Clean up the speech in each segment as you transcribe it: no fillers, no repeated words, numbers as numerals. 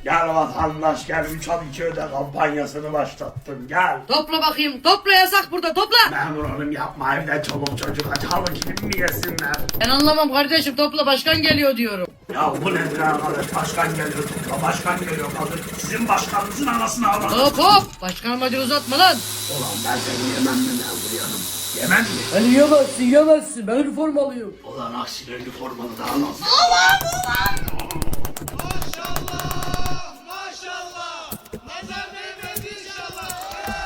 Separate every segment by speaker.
Speaker 1: Gel vatandaş gel 3-12 öde kampanyasını başlattım gel.
Speaker 2: Topla bakayım. Topla, yasak burada, topla.
Speaker 1: Memur hanım yapma evde çoluk çocuk aç halı kilim mi yesinler?
Speaker 2: Ben anlamam kardeşim, topla, başkan geliyor diyorum.
Speaker 1: Ya bu nedir arkadaş başkan geliyor tutma başkan geliyor kadın. Sizin başkanınızın anasını ağladı.
Speaker 2: Hop hop. Başkan amacı uzatma lan.
Speaker 1: Ulan ben seni yemem mi memur hanım? Yemem mi?
Speaker 2: Ben yiyemezsin. Ben üniformalıyım.
Speaker 1: Ulan aksine üniformalı daha nasıl?
Speaker 3: Maşallah! Nazar değmez inşallah!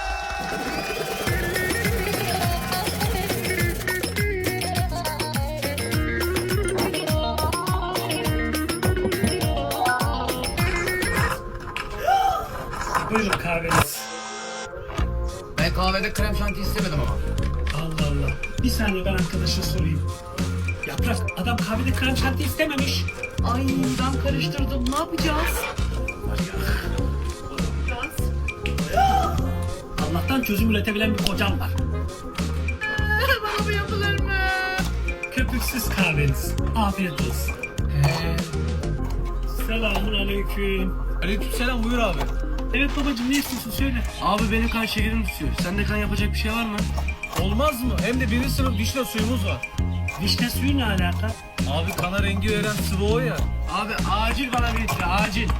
Speaker 4: Buyurun kahveniz.
Speaker 2: Ben kahvede krem şanti istemedim ama.
Speaker 4: Allah Allah. Bir saniye ben arkadaşa sorayım. Yaprak adam kahvede krem şanti istememiş.
Speaker 2: Ay ben karıştırdım. Ne yapacağız?
Speaker 4: Var ya. Allah'tan çözüm üretebilen bir kocam var.
Speaker 2: Bana bu yapılır mı?
Speaker 4: Köpüksüz kahveniz. Afiyet olsun. Selamun aleyküm.
Speaker 5: Aleykümselam buyur abi.
Speaker 4: Evet babacığım ne istiyorsun söyle.
Speaker 5: Abi benim kan şekerim tutuyor. Sende kan yapacak bir şey var mı? Olmaz mı? Hem de birinci sınıf vişne suyumuz var.
Speaker 4: Vişne suyu ne alaka?
Speaker 5: Abi kana rengi veren sıvı o ya. Abi acil bana bir litre acil.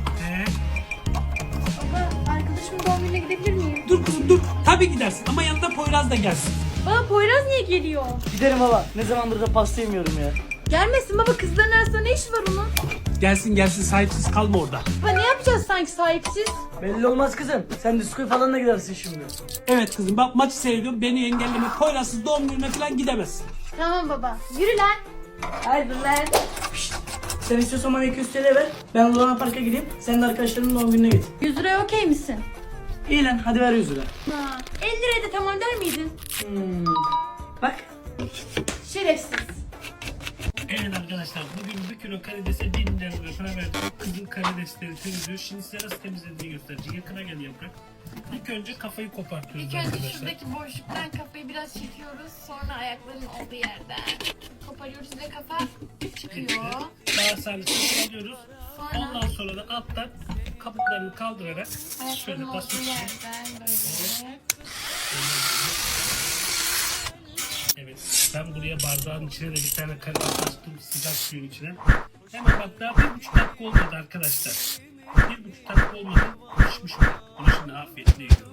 Speaker 6: Baba, arkadaşımın doğum gününe gidebilir miyim?
Speaker 4: Dur kızım dur. Tabii gidersin ama yanında Poyraz da gelsin.
Speaker 6: Baba, Poyraz niye geliyor?
Speaker 2: Giderim baba. Ne zamandır da pasta yemiyorum ya.
Speaker 6: Gelmesin baba, kızların arasında ne işi var onun?
Speaker 4: Gelsin sahipsiz kalma orada.
Speaker 6: Baba ne yapacağız sanki sahipsiz?
Speaker 2: Belli olmaz kızım. Sen diskoya falan da gidersin şimdi.
Speaker 4: Evet kızım bak maçı seyrediyorum beni engelleme Poyraz'sız doğum gününe falan gidemezsin.
Speaker 6: Tamam baba, yürü lan. Haydi lan.
Speaker 2: Sen istiyorsan bana 200 TL ver. Ben Luna Park'a gideyim. Sen de arkadaşlarımın doğum gününe git.
Speaker 6: 100 liraya okey misin?
Speaker 2: İyi lan hadi ver 100 lira.
Speaker 6: Ha, 50 liraya da tamam der miydin?
Speaker 2: Bak.
Speaker 6: Şerefsiz.
Speaker 4: Evet arkadaşlar bugün bir kilo karidese 1000 lira para verdim. Kızın karidesleri temizliyor. Şimdi size nasıl temizlediğini göstereceğim. Yakına gel yaprak. İlk önce kafayı kopartıyoruz
Speaker 7: İlk önce
Speaker 4: arkadaşlar.
Speaker 7: şuradaki boşluktan kafayı biraz çekiyoruz. Sonra ayakların olduğu yerden koparıyoruz ve kafa çıkıyor.
Speaker 4: Daha sarısını alıyoruz.
Speaker 7: Sonra
Speaker 4: Ondan sonra da alttan kabuklarını kaldırarak şöyle
Speaker 7: ayakların olduğu
Speaker 4: basıyoruz.
Speaker 7: yerden böyle.
Speaker 4: Evet ben buraya bardağın içine de bir tane karides açtım sıcak suyun içine. Hemen bak daha 1,5 dakika olmadı arkadaşlar. 1,5 dakika olmadı. Pişmiş bu. Bunu şimdi afiyetle yiyorum.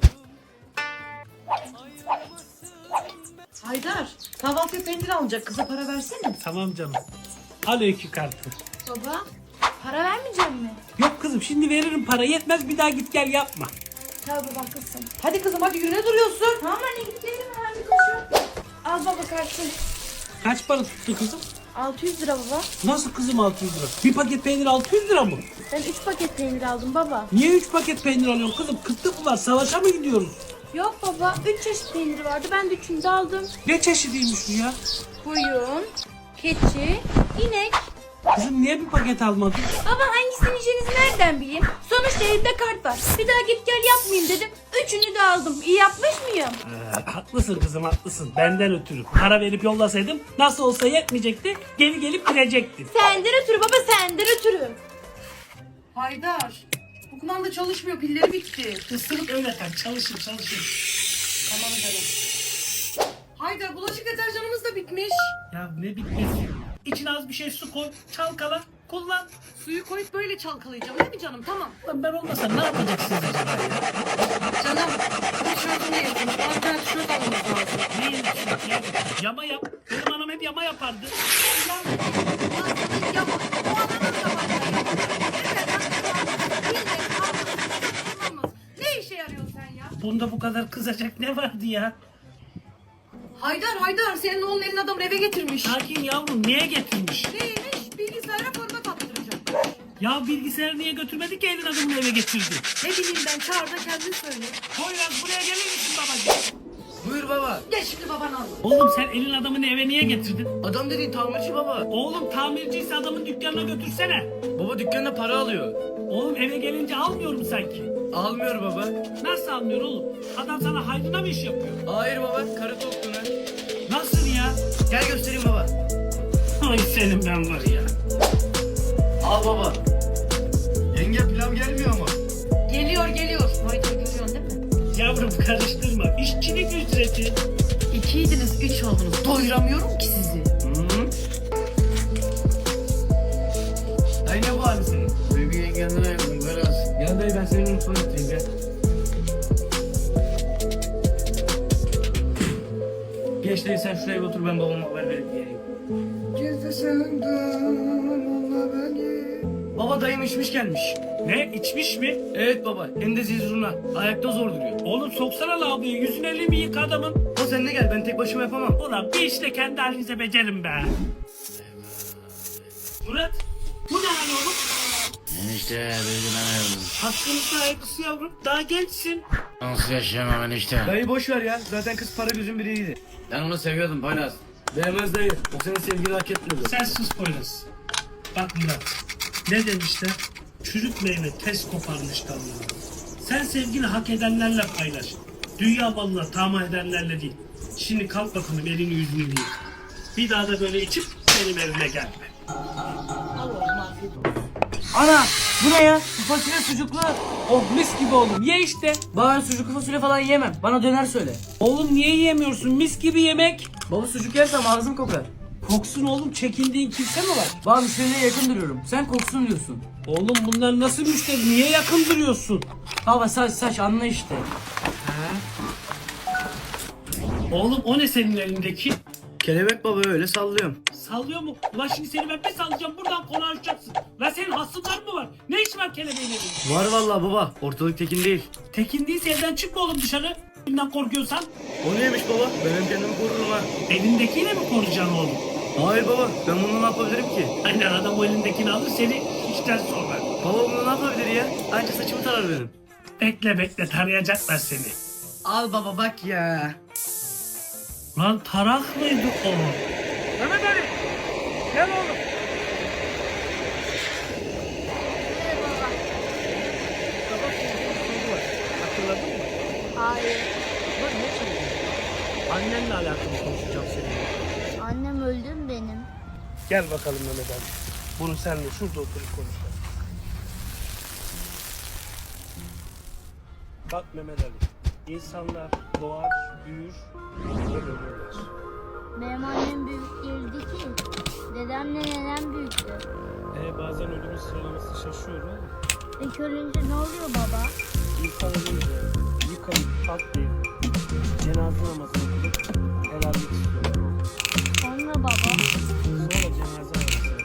Speaker 2: Haydar. Kahvaltıya peynir alacak. Kıza para versene.
Speaker 4: Tamam canım. Al öykü kartı.
Speaker 6: Baba, para vermeyecek mi?
Speaker 4: Yok kızım şimdi veririm para yetmez bir daha git gel yapma.
Speaker 6: Tabii baba haklısın.
Speaker 2: Hadi kızım hadi yürüne duruyorsun.
Speaker 6: Tamam anne gidelim hemen bir koşu. Al baba kartı.
Speaker 4: Kaç para tuttu kızım?
Speaker 6: 600 lira baba.
Speaker 4: Nasıl kızım 600 lira? Bir paket peynir 600 lira mı?
Speaker 6: Ben 3 paket peynir aldım baba.
Speaker 4: Niye 3 paket peynir alıyorsun kızım? Kıtlık mı var? Savaşa mı gidiyoruz?
Speaker 6: Yok baba, 3 çeşit peynir vardı. Ben de 3'ünü de aldım.
Speaker 4: Ne çeşidiymiş bu ya?
Speaker 6: Koyun, keçi, inek.
Speaker 4: Kızım niye bir paket almadın?
Speaker 6: Baba hangisini yiyeceğinizi nereden bileyim? Sonuçta elimde kart var. Bir daha git gel yapmayayım dedim. 3'ünü de aldım. İyi yapmış mıyım?
Speaker 4: Haklısın kızım haklısın. Benden ötürü. Para verip yollasaydım nasıl olsa yetmeyecekti. Geri gelip girecektin.
Speaker 6: Senden ötürü baba, senden ötürü.
Speaker 2: Haydar. Bu kumanda çalışmıyor. Pilleri bitti.
Speaker 4: Isırıp öyle kal. Çalışın.
Speaker 2: Tamam canım. Haydar bulaşık deterjanımız da bitmiş.
Speaker 4: Ya ne bitmesi? İçine az bir şey su koy. Çalkala. Kullan.
Speaker 2: Suyu koyup böyle çalkalayacağım değil mi canım? Tamam.
Speaker 4: Lan ben olmasam ne yapacaksınız acaba ya?
Speaker 2: Canım. Bu tişörtünü yırtmış. Bana bir tane tişört almamız lazım.
Speaker 4: Ne yiyorsun ya? Yama yap. Benim anam hep yama yapardı.
Speaker 2: Ne işe yarıyorsun sen ya?
Speaker 4: Bunda bu kadar kızacak ne vardı ya?
Speaker 2: Haydar senin oğlun elin adamı eve getirmiş.
Speaker 4: Sakin yavrum niye getirmiş?
Speaker 2: Neymiş? Bilgisayara format attıracak.
Speaker 4: Ya bilgisayarı niye götürmedi ki elin adamını eve getirdi?
Speaker 2: Ne bileyim ben çağır da kendin söyle.
Speaker 4: Poyraz buraya gelir misin babacığım?
Speaker 5: Buyur baba.
Speaker 2: Gel şimdi babanı al.
Speaker 4: Oğlum sen elin adamını eve niye getirdin?
Speaker 5: Adam dediğin tamirci baba.
Speaker 4: Oğlum tamirciyse adamın dükkanına götürsene.
Speaker 5: Baba dükkanda para alıyor.
Speaker 4: Oğlum eve gelince almıyor mu sanki?
Speaker 5: Almıyor baba.
Speaker 4: Nasıl almıyor oğlum? Adam sana hayrına mı iş yapıyor?
Speaker 5: Hayır baba karı tokluğuna.
Speaker 4: Nasıl ya?
Speaker 5: Gel göstereyim baba.
Speaker 4: Ay senin ben var ya.
Speaker 5: Al baba. Yenge pilav geldi.
Speaker 4: Yavrum karıştırma. İşçilik ücreti.
Speaker 5: 2'ydiniz 3 oldunuz. Doyuramıyorum ki sizi. Dayı ne bu hali senin?
Speaker 3: Bebeğin kendine yakın biraz.
Speaker 5: Gel dayı ben senin mutfağa götüreyim gel. Geç dayı sen şuraya bir otur ben babama haber verip geleyim. Baba dayım içmiş gelmiş.
Speaker 4: Ne? İçmiş mi?
Speaker 5: Evet baba hem de zizruna. Ayakta zor duruyor.
Speaker 4: Oğlum soksana lavaboya. Yüzünü elini yıka adamın.
Speaker 5: O sen de gel ben tek başıma yapamam.
Speaker 4: Ulan bir işte kendi halinize becerin be. Murat. Bu ne hal oğlum?
Speaker 3: Enişte beni ben
Speaker 4: Hakkının sahibisin yavrum. Daha gençsin.
Speaker 3: nasıl yaşayamam enişte?
Speaker 5: Dayı boş ver ya. Zaten kız para gözün biriydi.
Speaker 3: Ben onu seviyordum Poyraz.
Speaker 5: Değmez dayı. O senin sevgini hak etmiyordu.
Speaker 4: Sen sus Poyraz. Bak Murat. Ne demişler? Çürük meyve tez koparmış dalını. Sen sevgini hak edenlerle paylaş. Dünya malına tamah edenlerle değil. Şimdi kalk bakalım elini yüzünü yık. Bir daha da böyle içip benim evime gelme.
Speaker 2: Ana bu ne ya? Bu fasulye sucuklu.
Speaker 8: Oh mis gibi oğlum ye işte.
Speaker 2: Baba ben sucuklu fasulye falan yiyemem. Bana döner söyle.
Speaker 8: Oğlum niye yiyemiyorsun mis gibi yemek.
Speaker 2: Baba sucuk yersem ağzım kokar.
Speaker 8: Koksun oğlum çekindiğin kimse mi var?
Speaker 2: Baba müşteriye yakın duruyorum. Sen koksun diyorsun.
Speaker 8: Oğlum bunlar nasıl müşteri niye yakın duruyorsun?
Speaker 2: Baba saç anla işte.
Speaker 4: Oğlum o ne senin elindeki?
Speaker 5: Kelebek baba öyle sallıyorum.
Speaker 4: Sallıyor mu? Ulan şimdi seni ben bir sallayacağım buradan konuşacaksın. Lan senin hasımlar mı var? Ne iş var kelebeğin elinde?
Speaker 5: Var vallahi baba. Ortalık tekin değil.
Speaker 4: Tekin değilse evden çıkma oğlum dışarı. Birinden korkuyorsan
Speaker 5: O neymiş baba? Ben hem kendimi korurum ha.
Speaker 4: elindekiyle mi koruyacaksın oğlum?
Speaker 5: Hayır baba. Ben bunu ne yapabilirim ki?
Speaker 4: Aynen adam o elindekini alır seni işten sonra.
Speaker 5: Baba bunu ne yapabilir ya? Anca saçımı tarar benim.
Speaker 4: Bekle bekle tarayacaklar seni.
Speaker 5: Al baba bak ya.
Speaker 4: Lan tarak mıydı o?
Speaker 8: Mehmet Ali gel oğlum.
Speaker 4: Hatırladın mı?
Speaker 9: Hayır.
Speaker 4: Bak ne söyleyeyim? Annenle alakalı konuşacağım seninle.
Speaker 9: Annem öldü mü benim?
Speaker 4: Gel bakalım Mehmet Ali. Bunu seninle şurada oturup konuşalım. Bak Mehmet Ali. İnsanlar doğar, büyür, ve ölürler.
Speaker 9: Benim annem büyük değildi ki. Dedemle nenem büyüktü.
Speaker 4: Bazen ölümün sıralaması şaşıyor oğlum.
Speaker 9: İlk ölünce ne oluyor baba?
Speaker 4: İnsan ölünce yıkanıp patlayıp cenaze namazını kılıp helallik istiyorlar.
Speaker 9: Sonra baba.
Speaker 4: Sonra cenaze namazını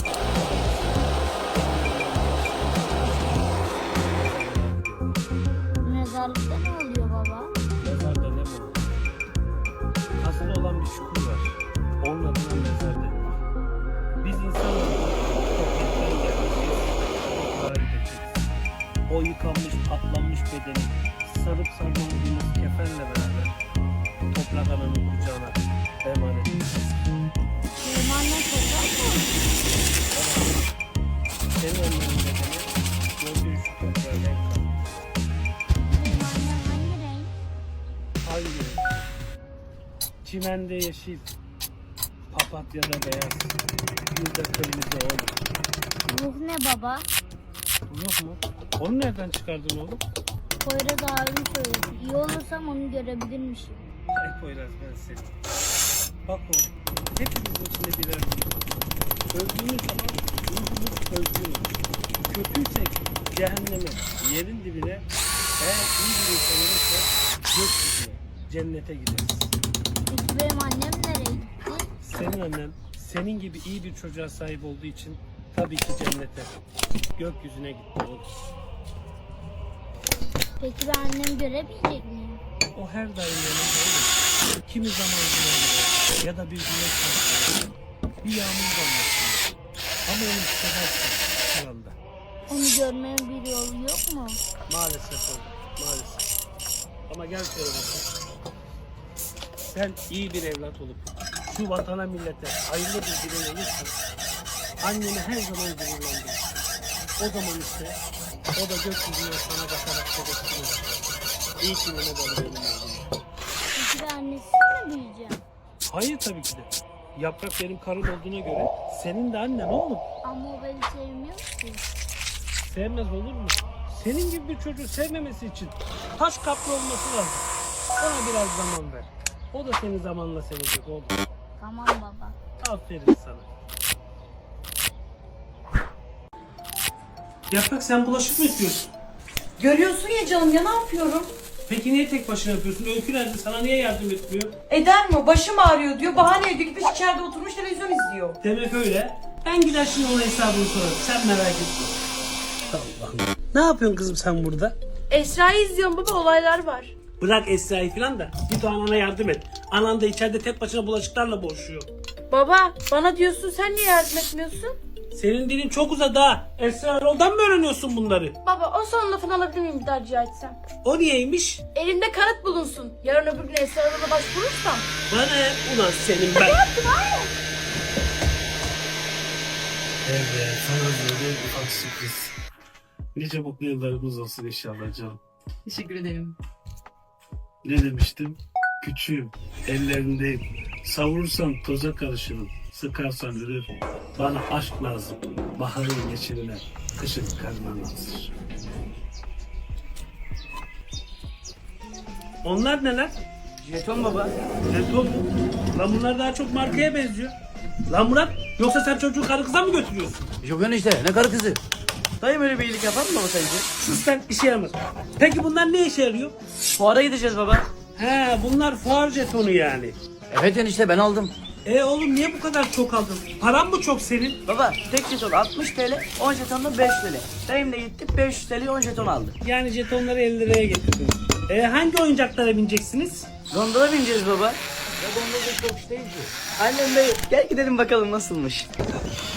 Speaker 9: Mezarlıkta ne oluyor baba?
Speaker 4: Mezarda ne var? Kazılı olan bir çukur var. Onun adına mezar denir. Biz insanlar topraktan gelmişiz. Toprağa gideceğiz. O yıkanmış, patlanmış bedeni sarıp sarmaladığımız kefenle beraber toprak ananın kucağına emanet edeceğiz.
Speaker 9: Benim annem toprak mı?
Speaker 4: Senin annenin bedeni gördüğün şu toprağa renk kalır.
Speaker 9: Benim annem hangi renk?
Speaker 4: Hangi? Çimende yeşil, papatyada beyaz, gülde kırmızı oğlum.
Speaker 9: Ruh ne baba?
Speaker 4: Ruh mu? Onu nereden çıkardın oğlum?
Speaker 9: Poyraz abim söyledi. İyi olursam onu görebilirmişim.
Speaker 4: Ay Poyraz ben seni. Bak oğlum, hepimizin içinde birer ruh var. Öldüğümüz zaman ruhumuz özgürüz. Kötüysek cehenneme, yerin dibine, eğer iyi bir insan olursa gökyüzüne, cennete gideriz.
Speaker 9: Peki benim annem nereye gitti?
Speaker 4: Senin annen senin gibi iyi bir çocuğa sahip olduğu için tabii ki cennete, gökyüzüne gitti oğlum.
Speaker 9: Peki ben annemi görebilecek miyim?
Speaker 4: O her daim yanında olur. Kimi zaman yanında ya da bir güneş altında, bir yağmur damlasında. Ama onu hissedersin şu anda.
Speaker 9: Onu görmenin bir yolu yok mu?
Speaker 4: Maalesef oğlum, maalesef. Ama gel şöyle bakalım. Sen iyi bir evlat olup şu vatana millete hayırlı bir birey olursan anneni her zaman gururlandırırsın. O zaman işte o da gökyüzüne sana bakarak tebessüm İyi ki Mehmet Ali benim oğlum.
Speaker 9: Peki ben annesiz mi büyüyeceğim?
Speaker 4: Hayır tabii ki de. Yaprak benim karım olduğuna göre senin de annen oğlum.
Speaker 9: Ama o beni sevmiyor ki.
Speaker 4: Sevmez olur mu?
Speaker 8: Senin gibi bir çocuğu sevmemesi için taş kaplı olması lazım. Ona biraz zaman ver. O da seni zamanla sevecek oğlum.
Speaker 9: Tamam baba.
Speaker 8: Aferin sana. Yaprak sen bulaşık mı yıkıyorsun?
Speaker 2: Görüyorsun ya canım ya, ne yapıyorum?
Speaker 8: Peki niye tek başına yapıyorsun? Öykü nerede? Sana niye yardım etmiyor?
Speaker 2: Eder mi? Başım ağrıyor diyor. Bahane ediyor. Gitmiş içeride oturmuş televizyon izliyor.
Speaker 8: Demek öyle. Ben gider şimdi ona hesabını sorarım. Sen merak etme. Allah'ım. Ne yapıyorsun kızım sen burada?
Speaker 6: Esra'yı izliyorum baba, olaylar var.
Speaker 8: Bırak Esra'yı falan da git o anana yardım et. Anan da içeride tek başına bulaşıklarla boğuşuyor.
Speaker 6: Baba bana diyorsun, sen niye yardım etmiyorsun?
Speaker 8: Senin dilin çok uzadı ha. Esra Erol'dan mı öğreniyorsun bunları?
Speaker 6: Baba o son lafını alabilir miyim bir daha rica etsem?
Speaker 8: O niyeymiş?
Speaker 6: Elimde kanıt bulunsun. Yarın öbür gün Esra Erol'a başvurursam.
Speaker 8: Bana ne? Ulan senin ben.
Speaker 4: Evet, sana böyle bir ufak sürpriz. Nice mutlu yıllarımız olsun inşallah canım.
Speaker 2: Teşekkür ederim.
Speaker 4: Ne demiştim? Küçüğüm, ellerindeyim. Savurursan toza karışırım. Sıkarsan ölür. Bana aşk lazım. Baharın geçirine, kışın karnına nazır.
Speaker 8: Onlar neler?
Speaker 2: Jeton baba.
Speaker 8: Jeton mu? Lan bunlar daha çok markaya benziyor. Lan Murat, yoksa sen çocuğu karı kıza mı götürüyorsun?
Speaker 3: Yok enişte ne karı kızı.
Speaker 2: Dayım öyle bir iyilik yapar mı baba sence?
Speaker 8: Sus sen, işe yaramaz. Peki bunlar ne işe yarıyor?
Speaker 2: Fuara gideceğiz baba.
Speaker 8: He, bunlar fuar jetonu yani.
Speaker 3: Evet enişte ben aldım.
Speaker 8: Oğlum niye bu kadar çok aldın? Paran mı çok senin?
Speaker 2: Baba tek jeton 60 TL, 10 jeton da 5 TL. Dayım da gitti 500 TL 10 jeton aldı.
Speaker 8: Yani jetonları 50 liraya getirdin. Hangi oyuncaklara bineceksiniz?
Speaker 2: Gondola bineceğiz baba. Ya gondola çok iş değil ki. Annem de gel gidelim bakalım nasılmış.